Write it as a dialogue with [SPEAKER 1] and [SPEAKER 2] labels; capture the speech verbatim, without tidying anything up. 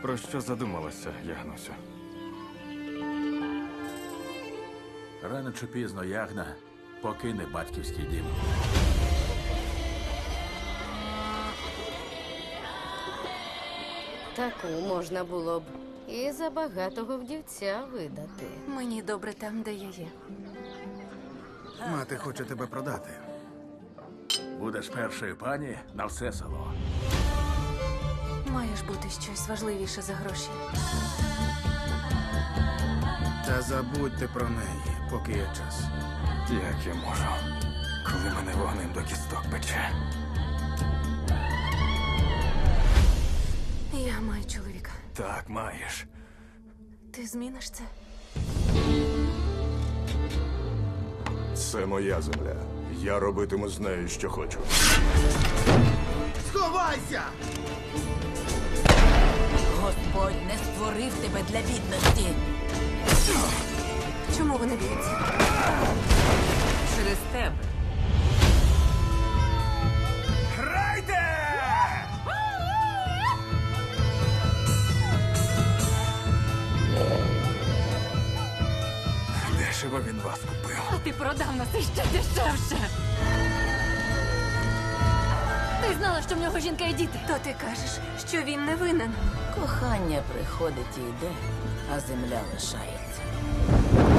[SPEAKER 1] Про що задумалася, Ягнусю?
[SPEAKER 2] Рано чи пізно Ягна покине батьківський дім.
[SPEAKER 3] Таку можна було б і за багатого вдівця видати.
[SPEAKER 4] Мені добре там, де я є.
[SPEAKER 5] Мати хоче тебе продати.
[SPEAKER 2] Будеш першою пані на все село.
[SPEAKER 4] Має ж бути щось важливіше за гроші.
[SPEAKER 5] Та забудьте про неї, поки є час.
[SPEAKER 1] Як я можу, коли мене вогнем до кісток пече?
[SPEAKER 4] Я маю чоловіка.
[SPEAKER 1] Так, маєш.
[SPEAKER 4] Ти зміниш це?
[SPEAKER 6] Це моя земля. Я робитиму з нею, що хочу.
[SPEAKER 5] Сховайся!
[SPEAKER 7] Господь не створив тебе для бідності.
[SPEAKER 4] Чому вони б'ються?
[SPEAKER 7] Через тебе.
[SPEAKER 1] Грайте! Дешево він вас купив.
[SPEAKER 4] А ти продав нас іще дешевше. Ти знала, що в нього жінка і діти. То ти кажеш, що він не винен.
[SPEAKER 7] Кохання приходить і йде, а земля лишається.